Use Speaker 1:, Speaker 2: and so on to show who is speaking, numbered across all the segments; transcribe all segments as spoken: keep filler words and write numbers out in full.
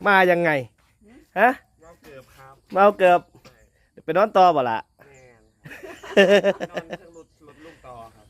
Speaker 1: มายังไงฮะ
Speaker 2: เมาเกือบครับ
Speaker 1: เมาเกือบไปนอนต่อบ่ละ
Speaker 2: แม่นอนเครื่องรถรถลูกต่อครับ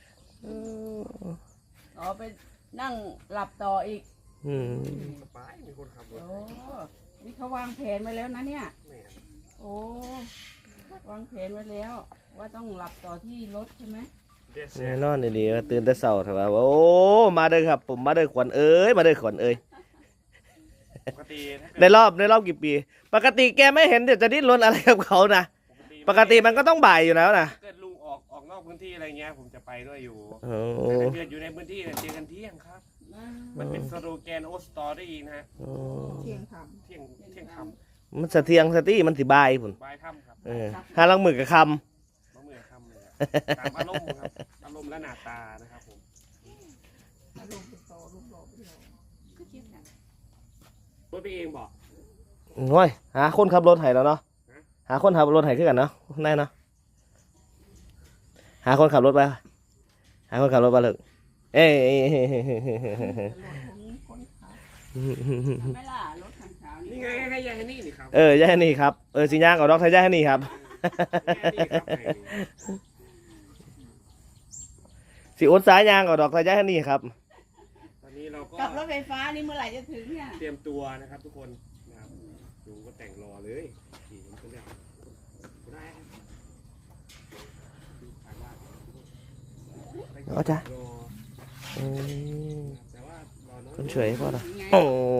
Speaker 3: อ๋อไปนั่งหลับต่ออีก
Speaker 1: อืม
Speaker 2: สบายมีคนขับรถ
Speaker 3: โอ้นี่เขาวางแผนไว้แล้วนะเนี่ยโอ้วางแผนไว้แล้วว่าต้องหลับต่อที่รถใช่ไหม
Speaker 1: แน่นอนดีๆตื่นแต่เช้าเถอะว่าโอ้มาเด้อครับผมมาเด้อขวัญเอ้ยมาเด้อขวัญเอ้ย
Speaker 2: ปกติ
Speaker 1: ในรอบในรอบกี่ปีปกติแกไม่เห็นเดี๋ยวจะดิ้นรนอะไรกับเขานะปกติมันก็ต้องบ่ายอยู่แล้วนะ
Speaker 2: เกิดลุงออกออกนอกพื้นที่อะไรเงี้ยผมจะไปด้วยอยู่
Speaker 1: แต่
Speaker 2: ถ้าเกิดอยู่ในพื้นที่เจอกันเที่ยงครับมันเป็นสโลแกนโอสตอรี่นะฮะ
Speaker 3: เที่ยงท
Speaker 2: ำเที่ยงเที่ยงท
Speaker 1: ำมันสะเทียงสตี้มันสิบายผุน
Speaker 2: บายทำครับ
Speaker 1: ห้าลังมือกับคำ
Speaker 2: มะมือคำเลยตามอารมณ์ครับอารมณ์และหน้าตานะครับผม
Speaker 3: อารมณ์เป็นโตรูปหล่อเป็นหล่อก็คิดนะ
Speaker 2: รถไปเองบอก
Speaker 1: ง่อยหาคนขับรถไถแล้วเนาะหาคนขับรถไถขึ้นกันเนาะได้เนาะหาคนขับรถไปหาคนขับรถไปเลยเอ้ย
Speaker 3: ไม่ล่ะรถคันขาว
Speaker 2: นี่ไงให้ยายนี่นี่ครับ
Speaker 1: เออยายนี่ครับเออสิย่างกับดอกไทยยายนี่ครับสิอุดสายยางกับดอกไทยยายนี่ครับ
Speaker 2: ตอนนี้เราก็
Speaker 3: กับรถไฟฟ้านี่เมื่อไหร่จะถึงเนี่ย
Speaker 2: เตรียมตัวนะครับทุกคนนะครับลุงก็แต่งรอเลยขี่มันก็แล้วได้
Speaker 1: เอาจ้ะคนเฉยพ่อเหรอโอ้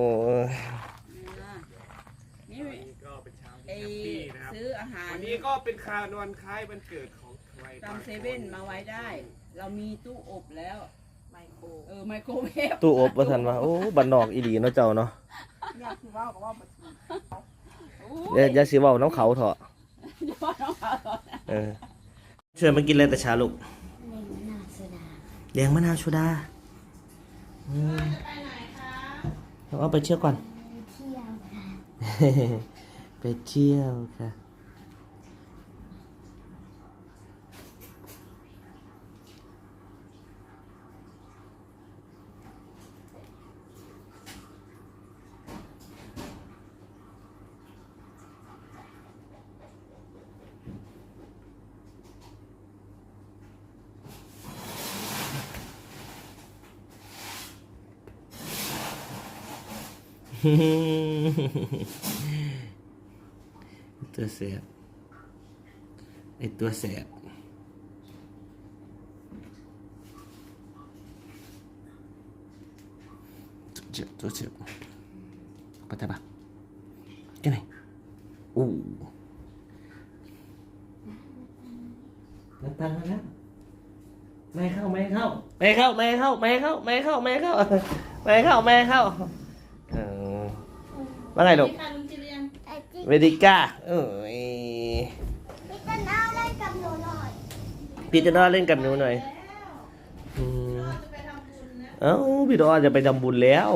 Speaker 2: นี่ก็เป็นเช้าที่แฮปปี้นะครับ
Speaker 3: ซื้ออาหาร
Speaker 2: วันนี้ก็เป็นคานวันคล้ายวันเกิดของใคร
Speaker 3: ตามเซเว่นมาไว้ได้ เรามีตู้อบแล้วไมโครเออไมโครเวฟ
Speaker 1: ตู้อบว่าทันว่าโอ้บันนอกอีหลีเนาะเจ้าเนาะ
Speaker 3: อยากสิว่าก็ว่าบัด
Speaker 1: เดี๋ยวอย่าสิว่าน้องเขาเถอะเออช่วยมากินอะไรแต่เช้าลูกแดงมะนาวโซดาเราเอาไปเที่ยวก่อนไปเที่ยวค่ะตัวแสบไอตัวแสบเจ็บตัวเจ็บไปได้ปะยังไงโอ้น้ำตาลมาแล้วไม่เข้าไม่เข้าไม่เข้าไม่เข้าไม่เข้าไม่เข้าไม่เข้าไม่เข้าไม่เข้าว่าไงลูกเวดิก้าเอ้ย
Speaker 4: พี่จะน่าเล่นกับหนูหน่อย
Speaker 1: พี่จะน่าเล่นกับหนูหน่อยเอ้าพี่ดอจะไปทำบุญแล้ว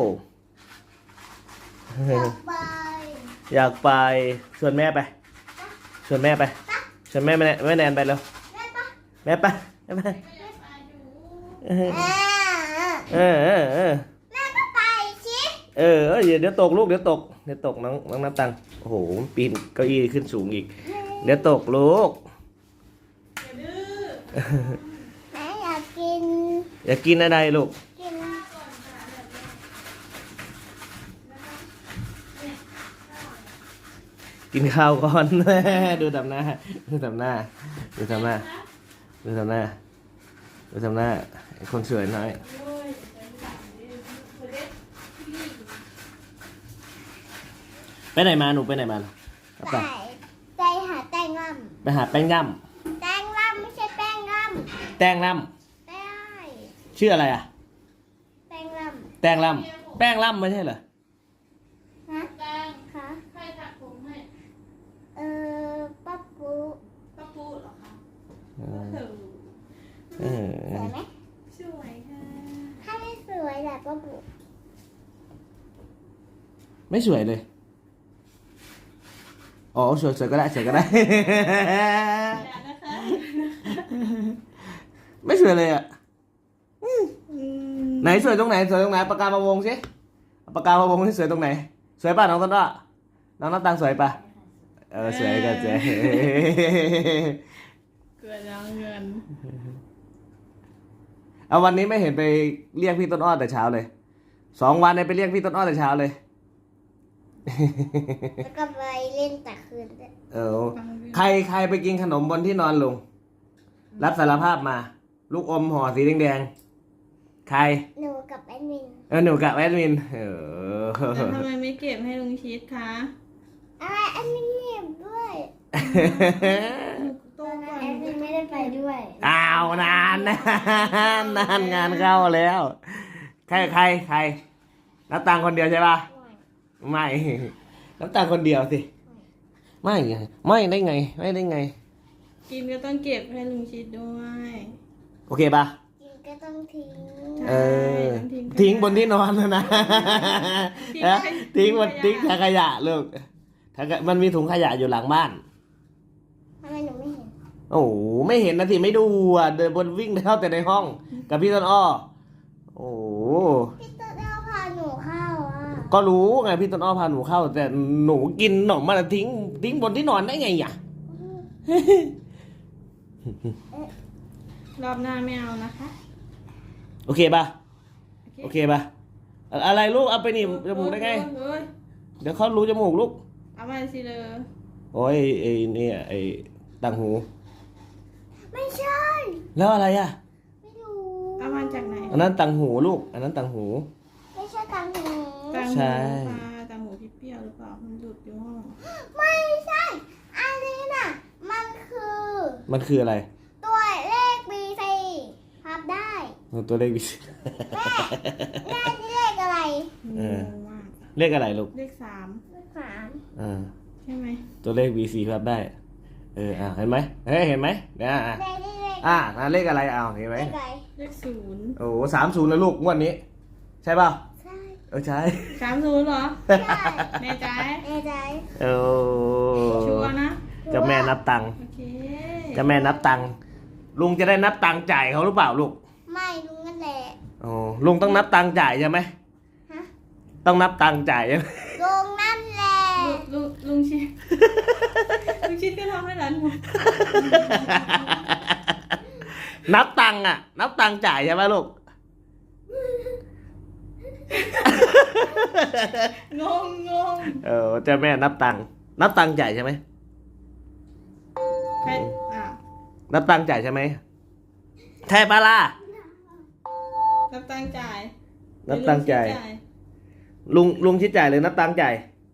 Speaker 4: อยากไป
Speaker 1: อยากไปชวนแม่ไปชวนแม่ไปชวนแม่แม่แม่แนนไปแล้วแม่ไปแม่ไปเออเออเออ
Speaker 4: แม่ก็ไปสิ
Speaker 1: เออเดี๋ยวตกลูกเดี๋ยวตกเดี๋ยวตกน้องน้องน้ำตังโอ้โหปีนเก้าอี้ขึ้นสูงอีกเดี๋ยวตกลูก
Speaker 4: แม่อยากกิน
Speaker 1: อยากกินอะไรลูก
Speaker 4: กิน
Speaker 1: กินข้าวก่อนดูทำหน้าดูทำหน้าดูทำหน้าดูทำหน้าดูทำหน้าคนสวยน้อยไปไหนมาหนูไปไหนมา
Speaker 4: ไปไปหาแตงล่
Speaker 1: ำไปหาแป้งย่
Speaker 4: ำแตงล่ำไม่ใช่แป้งล่
Speaker 1: ำแตงล่
Speaker 4: ำได้
Speaker 1: ชื่ออะไรอ่ะ
Speaker 4: แป้งล่
Speaker 1: ำแตงล่ำแป้งล่ำไม่ใช่เหรอ
Speaker 4: ฮะแตงคะใครถักผมให้เออป้าปู
Speaker 3: ป้าปูเหรอคะ
Speaker 1: เออ
Speaker 4: สวยไหม
Speaker 3: สวยค่ะ
Speaker 4: ถ้าไม่สวยแหละป้าปู
Speaker 1: ไม่สวยเลยอ๋อสวยสวยก็ได้สวยก็ได้ไม่สวยเลยอ่ะไหนสวยตรงไหนสวยตรงไหนปากกามาวงสิปากกามาวงที่สวยตรงไหนสวยป่ะน้องต้นอ้อน้องน้ำตังสวยป่ะเออสวยกันเจ๊
Speaker 3: เกิดแล้วเงิน
Speaker 1: เอาวันนี้ไม่เห็นไปเรียกพี่ต้นอ้อแต่เช้าเลยสองวันเนี่ยไปเรียกพี่ต้นอ้อแต่เช้าเลย
Speaker 4: แล้วก็ไปเล่นแต่คืนด้วย
Speaker 1: เออใครใครไปกินขนมบนที่นอนลุงรับสารภาพมา ลูกอมห่อสีแดงๆใคร
Speaker 4: หนูกับแอดมิน
Speaker 1: เออหนูกับแอดมินเออ
Speaker 3: แต่ทำไมไม่เก็บให้ลุงชิดคะ
Speaker 4: อะไรแอดมินเหนียบด้วย
Speaker 3: โต
Speaker 4: ตอนนั้
Speaker 3: ก่
Speaker 4: น
Speaker 3: อน
Speaker 4: แอดมินไม่ได้ไปด้วย
Speaker 1: อ้าวนานนานนานงานเข้าแล้ว ใครใครใครนับตังค์คนเดียวใช่ป่ะไม่นับตังค์คนเดียวสิไม่ไงไม่ได้ไงไม่ได้ไง
Speaker 3: กินก็ต้องเก็บให้ลุงชิดด้วย
Speaker 1: โอเคป่ะ
Speaker 4: กินก็ต้องทิ้ง
Speaker 1: เออ
Speaker 3: ใช่ต้องทิ้ง
Speaker 1: ทิ้งบนที่นอนนะนะ
Speaker 3: ทิ้ง
Speaker 1: นะ
Speaker 3: ไว้
Speaker 1: ทิ้งบน
Speaker 3: ทิ้
Speaker 1: ทิ้ง
Speaker 3: งขยะ
Speaker 1: ถังขยะลูกถังขยะมันมีถุงขยะอยู่หลังบ้าน
Speaker 4: ทำไมหนูไม่เห็น
Speaker 1: โอ้โหไม่เห็นนะทีไม่ดูอ่ะเดินบนวิ่งเข้าแต่ในห้อง กับพี่ต้นอ้อโอ้โห
Speaker 4: พี่ต้นเอาพาหนูเข้าอ่ะ
Speaker 1: ก็รู้ไงพี่ต้นอ้อพาหนูเข้า แต่หนูกินขนมมันทิ้งทิ้งบนที่นอนได้ไงอ่ะ
Speaker 3: รอบหน้าไม่เอานะคะ
Speaker 1: โอเคป่ะโอเคป่ะอะอะไรลูกเอาไปหนีบจมูกได้ไง
Speaker 3: เฮ้ย
Speaker 1: เดี๋ยวเขารู้จมูกลูก
Speaker 3: เอามาสิเลย
Speaker 1: โอ้ยไอ้เนี่ยไอ้ต่างหู
Speaker 4: ไม่ใช่
Speaker 1: แล้วอะไรอ่ะ
Speaker 4: ไม่ดู
Speaker 3: เอามาจากไหน
Speaker 1: อันนั้นต่างหูลูก อันนั้นต่างหู
Speaker 4: ไม่ใช่ตังหู
Speaker 3: ตัง
Speaker 1: ใช่
Speaker 3: หูปลาตังหูพี่เปรี้ยวหรือเปล่ามันหลุดอยู่ห้อง
Speaker 4: ไม่ใช่ อันนี้น่ะ มันคือ
Speaker 1: มันคืออะไร
Speaker 4: ตัวเลข บี ซี พับได้
Speaker 1: ตัวเลขวิ
Speaker 4: แม่แม่นี่เลขอะไร
Speaker 1: เออ
Speaker 3: งงมาก
Speaker 1: เลขอะไรลูก
Speaker 3: เลขสาม
Speaker 4: เลขสาม
Speaker 1: อ่า
Speaker 3: ใช่ไหม
Speaker 1: ตัวเลข บี ซี ครับได้ เอออ่าเห็นไหมเฮ้ยเห็นไหมเนี่ยอ่ะ
Speaker 4: เลขนี่เลข
Speaker 1: อ่าอ่าเลขอะไรเอาเห็นไหม
Speaker 4: เลขอะไร
Speaker 3: เลขศูนย์
Speaker 1: โอ้สามศูนย์แล้วลูกงวดนี้ ใช่ป่ะ
Speaker 4: ใช่
Speaker 1: เออใช่
Speaker 3: สามศูนย์เหรอ
Speaker 4: ใช่
Speaker 3: แน่ใจ
Speaker 4: แน่ใจ
Speaker 1: โอ้
Speaker 3: ชัวร์นะ
Speaker 1: เจะแม่นับตังค์
Speaker 3: โอเค
Speaker 1: เจะแม่นับตังค์ลุงจะได้นับตังค์จ่ายเขาหรือเปล่าลูก
Speaker 4: ไม่ลุงนั่นแหละ
Speaker 1: โอ้ลุงต้องนับตังค์จ่ายใช่ไหม
Speaker 4: ฮะ
Speaker 1: ต้องนับตังค์จ่ายใช่ไหม
Speaker 4: ลุงนั่นแหละ
Speaker 3: ลุงลุงลุงชิด ลุงชิดก็ทำให้หลานหมด
Speaker 1: นับตังค์อ่ะ นับตังค์จ่ายใช่ไหมลูก
Speaker 3: งงงง
Speaker 1: เออเจ้าแม่นับตังค์นับตังค์จ่ายใช่ไหม
Speaker 3: ใครอ่ะ
Speaker 1: นับตังค์จ่ายใช่ไหมใช่ปะล่ะ
Speaker 3: นับตังค์จ่าย
Speaker 1: นับตังค์จ่าย
Speaker 3: หรือลุงชิด
Speaker 1: ลุงลุงคิดจ่ายหรือนับตังค์จ่าย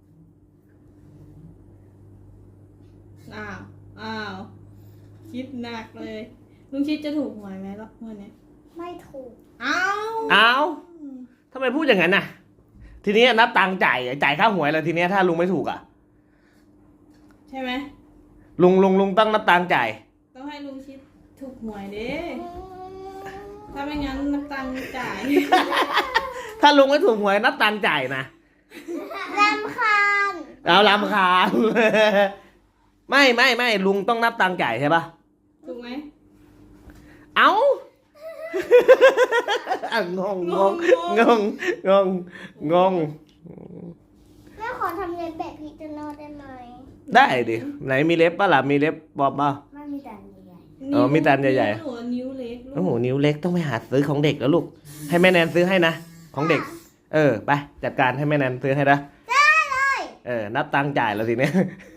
Speaker 3: อ้าวอ้าวคิดหนักเลย ลุงชิดจะถูกหวยไหมรอบเมื่อนี้
Speaker 4: ไม่ถูก
Speaker 3: อ้าว
Speaker 1: อ้าวทำไมพูดอย่างนั้นน่ะ ทีนี้นับตังค์จ่ายจ่ายค่าหวยแล้วทีนี้ถ้าลุงไม่ถูกอ่ะ
Speaker 3: ใช่ไหม
Speaker 1: ลุงลุงลุงต้องนับตังค์จ่าย
Speaker 3: ต้องให้ลุงชิดถูกหวยเด้ถ้าไม่งั้นนับตังค์จ่าย
Speaker 1: ถ้าลุงไม่ถูกหวยนับตังค์จ่ายนะ
Speaker 4: รำคาญ
Speaker 1: เอาลำคาญ ไม่ไม่ไม่ลุงต้องนับตังค์จ่ายใช่ปะ
Speaker 3: ถูกไหม
Speaker 1: เอ้า อ่ะงงงงงงงงงง
Speaker 4: แม่ขอทำเล็บแบบพี่จะนอได้ไหม
Speaker 1: ได้ดิไหนมีเล็บปะล่ะมีเล็บบอกป่ะ
Speaker 4: ไม่มีแต่ใหญ่
Speaker 1: เออมีตาใหญ่ๆ
Speaker 3: นิ้วนิ้วเล็กลูก
Speaker 1: โอ้โหนิ้วเล็กต้องไปหาซื้อของเด็กแล้วลูก ให้แม่แนนซื้อให้นะของเด็ก เออไปจัดการให้แม่แนนซื้อให้นะ
Speaker 4: ได้เลย
Speaker 1: เออนับตังค์จ่ายแล้วทีเนี้ย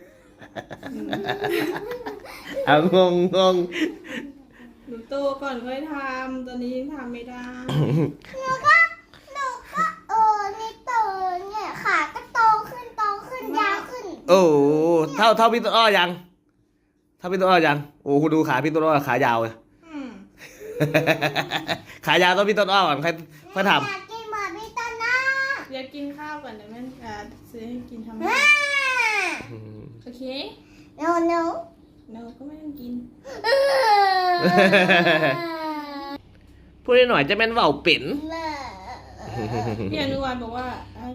Speaker 1: เอางงงง
Speaker 3: หนูโตก่อนค่อยทำตอนนี้ยังทำไม่ได้
Speaker 4: หนูก็หนูก็เออนี่โตเนี่ยขาก็โตขึ้นโตขึ้นยาวขึ้น
Speaker 1: โอ้โหเท่าเท่าพี่ต้นอ้อยังเท่าพี่ต้นอ้อยังโอ้โหดูขาพี่ต้นอ้อขายาวเลย
Speaker 3: อืม
Speaker 1: ขายาวต้องพี่ต้นอ้อก่อนค่อยค่อยท
Speaker 4: อยากกินเหมือนพี่ต้นนะ
Speaker 3: เดี๋ยวกินข้าวก่อนเดี๋ยวแม่อ่าซื้อให้กินทำไม
Speaker 4: อ่า
Speaker 1: ำ
Speaker 3: โอเค
Speaker 4: โนโน
Speaker 3: เราก็ไม่ต้องกิน
Speaker 1: พูดหน่อยจะเป็นเว่าเป็น
Speaker 4: เออ
Speaker 3: พี่อนุวัฒน์บอกว่า